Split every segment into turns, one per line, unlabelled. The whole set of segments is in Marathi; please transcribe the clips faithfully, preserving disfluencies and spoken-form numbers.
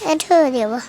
ठेव देवा.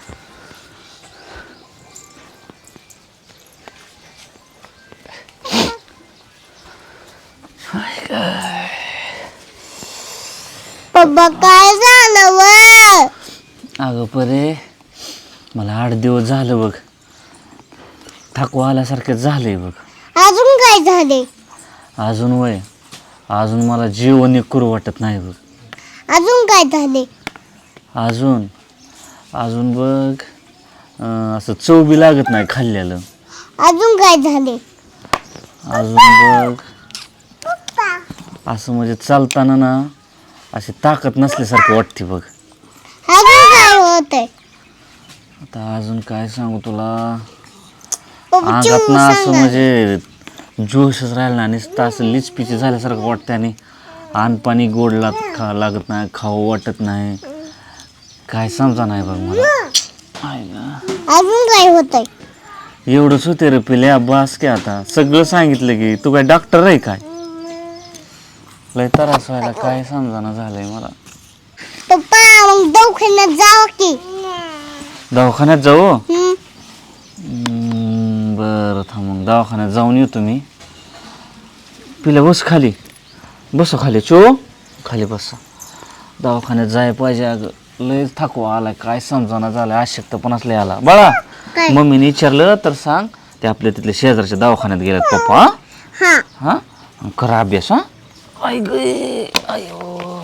पप्पा काय झालं व?
अगं परे मला आठ दिवस झालं बघ, थकवा आल्यासारखं झालंय बघ.
अजून काय झाले?
अजून वय अजून मला जेवण करू वाटत नाही बघ.
अजून काय झाले?
अजून अजून बघ अं, असं चव बी लागत नाही खाल्ल्यालं.
अजून काय झाले?
अजून बघ असं म्हणजे चालताना ना अशी ताकद नसल्यासारखं वाटते बघ.
अजून काय होतंय?
आता अजून काय सांगू तुला,
पप्पा
अंगात
चिव
ना असं
सांगा.
म्हणजे जोशच राहिला ना, नुसतं असं लिचपिची झाल्यासारखं वाटतं आणि अनपाणी गोड लाग खा लागत नाही, खावं वाटत नाही, काय समजा नाही बघ मला. आहे ना
अजून काय होतंय?
एवढंच होते रे पिल्या, बास की आता सगळं सांगितलं की. तू काय डॉक्टर आहे काय? लय त्रास व्हायला, काय समजाना झालंय मला.
पप्पा मग दवाखान्यात जाऊ की.
दवाखान्यात जाऊ?
हम्म.
हम्म, बरं थांब मग दवाखान्यात जाऊन येतो मी. पिल्या बस खाली, बस खाली, चो खाली बस. दवाखान्यात जाय पाहिजे अगं, लय थकवा आलाय, काय समजाना झालं, अशक्तपणाच लय आला. बाळा
काय?
मम्मीने विचारलं तर सांग ते आपल्या तिथल्या शेजारच्या दवाखान्यात गेल्यात पप्पा.
हा.
हा करा अभ्यास. हा आई गे आयो.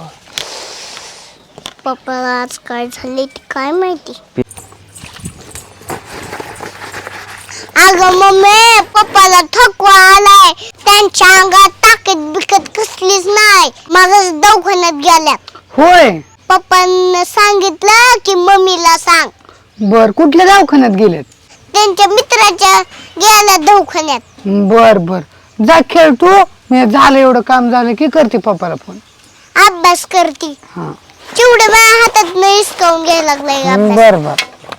पप्पाला आज काय झाले ते काय माहिती. अगं मम्मी पप्पाला थकवा आलाय, त्यांच्या अंगात ताकद बिकत कसलीच नाही, माझं दवाखान्यात गेल्यात.
होय.
पप्पांना सांगितलं की मम्मीला सांग.
बर, कुठल्या दवाखान्यात गेलेत?
त्यांच्या मित्राच्या गेल्या दवाखान्यात.
बर बर, जा खेळ तू. मी झालं एवढं काम झालं की करते पप्पाला फोन.
अभ्यास करती.
हा
चिवडे माझ्या हातात नाही हिसकावून घ्यायला लागलाय अभ्यास.
बर बर.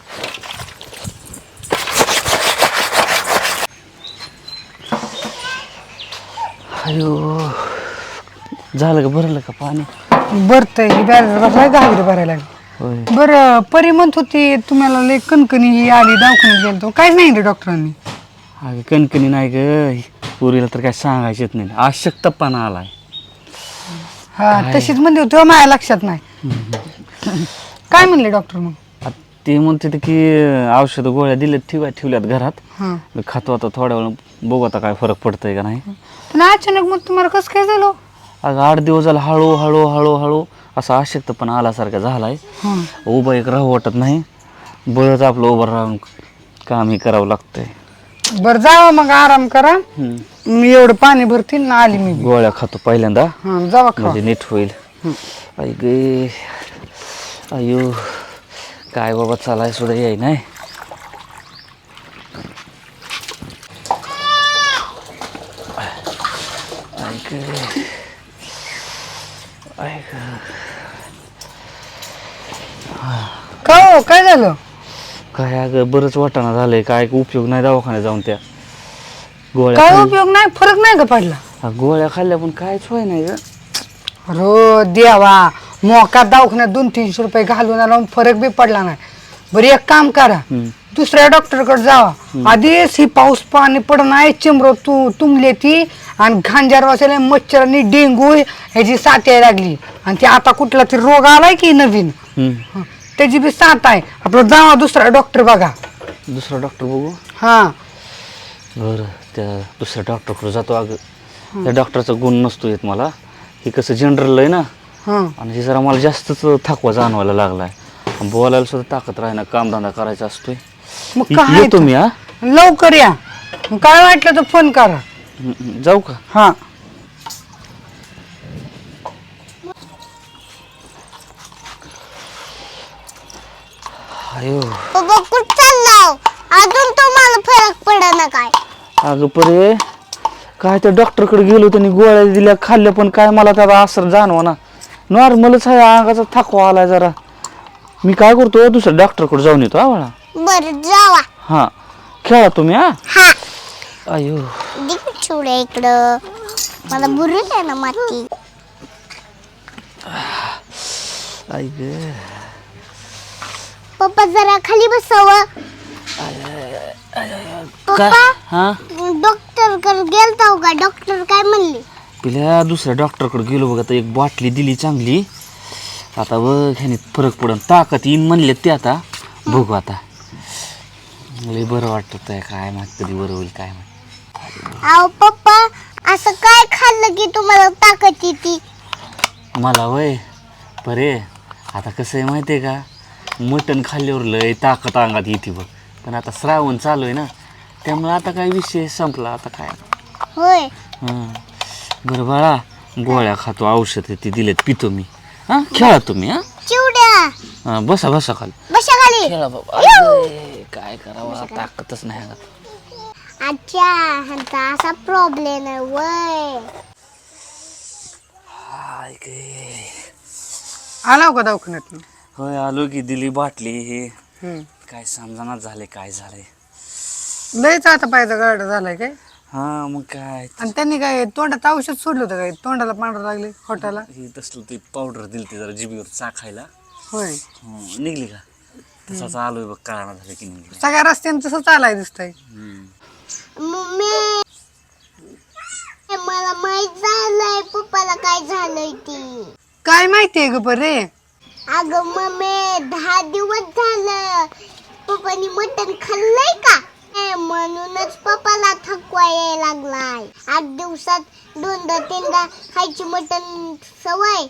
अयो झालं का, भरलं का पाणी?
बरतय बसलाय घागरी भरायला लागली.
होय.
बरं, परी म्हणत होती तुम्हाला लय कणकणी ही आली, दवाखान्यात गेलो. काय सांगितलं डॉक्टरांनी?
अगं कणकणी नाही ग, पुरीला तर काय सांगायचेच नाही, अशक्तपणा आलाय.
हा तशीच म्हणते होती, माझ्या लक्षात नाही. काय म्हणले डॉक्टर मग?
आता ते म्हणते ते की औषध गोळ्या दिल्यात, ठेवा ठेवल्यात घरात.
हा,
मी खातो आता थोड्या वेळ, बघू आता काय फरक पडतंय का नाही.
पण अचानक मग तुम्हाला कसं काय झालं?
अगं आठ दिवस झाला हळू हळू हळू हळू असा अशक्तपणा आल्यासारखा झालाय.
हा,
उभं एक राहू वाटत नाही, बळच आपलं उभं राहून कामही करावं लागतंय.
बरं जावा मग, आराम करा.
हम्म.
मी एवढं पाणी भरतील ना, आली मी बी.
गोळ्या खातो पहिल्यांदा,
हा जावा खा.
म्हणजे नीट होईल. आई गे अयो काय बाबा, चालाय सुद्धा याय नाही. आई गे आई ग.
का हो, काय झालं?
काय अगं बरंच वाटाणा झालंय, काय उपयोग नाही दवाखान्यात जाऊन. त्या गोळ्या
काय
खाल्ल्या-
उपयोग नाही, फरक नाही का पडला?
हा, गोळ्या खाल्ल्या पण कायच होय नाही ग.
रो देवा, मोका दवाखान्यात दोन तीनशे रुपये घालून आला, फरक बी पडला नाही. बरं एक काम करा,
हम्म.
दुसऱ्या डॉक्टरकडे जावा. आधीच ही पाऊस पाणी पडणार, चिमरो तू तुंबले ती, आणि घांजार वाचायला मच्छरांनी डेंगू ह्याची साथ यायला लागली, आणि ते आता कुठला तरी रोग आलाय की नवीन,
हम्म.
हं, त्याची बी साथ आहे. आपलं जावा दुसरा डॉक्टर बघा.
दुसरा डॉक्टर बघू.
हा
बरं त्या दुसऱ्या डॉक्टरकडे जातो. अगं त्या डॉक्टरचा गुण नसतो येत मला, हे कसं जनरल आहे ना,
हा,
आणि हे जरा मला जास्तच थकवा जाणवायला लागलाय. बोलायला सुद्धा ताकद राही ना, कामधंदा करायचा असतोय.
मग
ये-
काय
येतो मी. हा
लवकर या, मग काय वाटलं तर फोन करा.
हम्म, हम्म. जाऊ का?
हा
अयो
पप्पा कुठं चाललाव? अजून तुम्हाला फरक पडेना काय?
अगं परे काय त्या डॉक्टरकडे गेलो, त्यांनी गोळ्या दिल्या, खाल्ल्या, पण काय मला त्याचा असर जाणवा ना, नॉर्मलच आहे, अंगाचा थकवा आलाय जरा. मी काय करतो, दुसऱ्या डॉक्टरकडे जाऊन येतो. हा बाळा.
बरं जावा.
हा खेळा तुम्ही. हा
हा
अयो
दिक चिवड्या इकडं, मला बुरत आहे ना माती.
आई ग.
पप्पा जरा खाली बसावं.
काय
पप्पा
हा
डॉक्टर कडे गेलता का? डॉक्टर काय म्हणले?
पिल्या दुसऱ्या डॉक्टरकडे गेलो बघ. आता एक बाटली दिली चांगली. आता बघ ह्याने फरक पडन. ताकद येईन म्हणले ते. आता बघू आता. लय बरं वाटत आहे. काय माहित कधी बरं होईल काय माहित.
अहो पप्पा असं काय खाल्लं की तुम्हाला ताकद येते?
मला वय बरे आता कसं आहे माहिती आहे का? मटण खाल्ल्यावर लय ताकद अंगात येते बघ. पण आता श्रावण चालू आहे ना त्यामुळे आता काय विषय संपला आता काय.
होय.
हां बरं बाळा गोळ्या खातो औषध आहे ती दिलेत पितो मी. हां खेळा तुम्ही. हां
चिवड्या
हां बसा बसा खाली
बसा खाली.
खेळा बाबा. अरे, काय करावं ताकदच नाही अंगात.
अच्छा ह्यांचा असा प्रॉब्लेम आहे वय.
हाय गे.
आला का दवाखान्यात?
होय आलो की दिली बाटली हे.
हम्म.
काय समजानाच झाले काय झालंय.
लयच आता पायचा गाडा झालाय काय?
हां मग काय
आणि त्यांनी काय तोंडात औषध सोडलं होतं काय? तोंडाला पांढरं लागले खोटाला?
हे तसलं ते पावडर दिली ते जरा जिबीवर चाखायला.
होय.
हं, निघली का तसाच आलोय बघ. कळाना झालं की निघली.
सगळ्या रस्त्यानं तसं चालाय दिसतंय.
मम्मी मला माहित झालंय पप्पाला काय झालंय ती.
काय माहितीये ग बरे?
अगं मम्मी दहा दिवस झालं पप्पानी मटण खाल्लंय का? ए, म्हणूनच पप्पाला थकवा यायला लागलाय. आठ दिवसात दोनदा तीनदा खायची मटण सवय.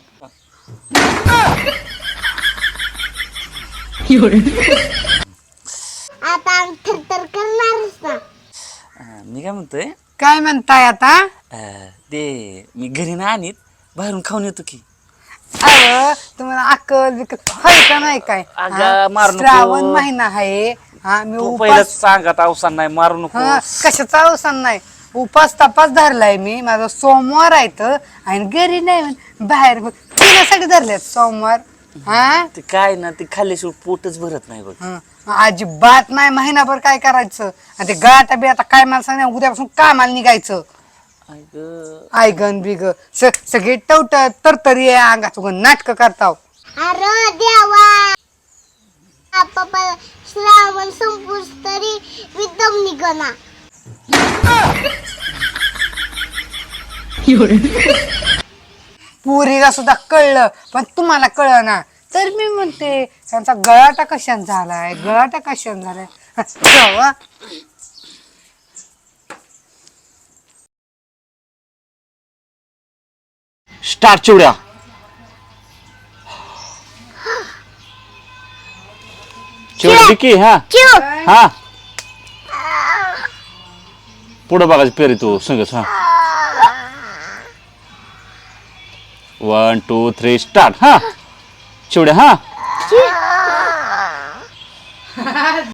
आता थरथर करणारच ना.
अं, मी काय म्हणतोय
काय म्हणताय आता?
अं, ते मी घरी नाही आणीत बाहेरून खाऊन येतो की.
अहो तुम्हाला अक्कल बिकल हाय का नाही काय?
अगं,
हा?
मारू नको.
श्रावण महिना आहे. हा मी
तू पहिलं
उपास
सांगत अवसान नाही मारू नको.
हा कशाचा अवसान नाही. उपास तपास धरलाय मी. माझा सोमवार आहे तर आणि घरी नाही म्हण- बाहेर बघ पिण्यासाठी धरल्यात सोमवार. हा
ते काय ना ते खाल्ल्याशिवाय पोटच भरत नाही बघ.
हं. अजिबात नाही. महिनाभर काय करायचं आणि ते गाठा बी आता काय मला सांग उद्यापासून कामाला निघायचं.
अगं,
आयगन बिग सगळे टवट तरतरी आहे अंगात नाटक करताव.
अरे देवा हा पप्पा श्रावण संपूस तरी विदम निघना.
पुरीला सुद्धा कळलं पण तुम्हाला कळलं ना. तर मी म्हणते त्यांचा गळाटा कशाने झालाय गळाटा कशाने झालाय. जावा.
स्टार्ट चिवड्या. चिवड्या की हा
चिव
हा पुढं बघायचं पेरी तू संगच. हा वन टू थ्री स्टार्ट. हा चिवड्या. हा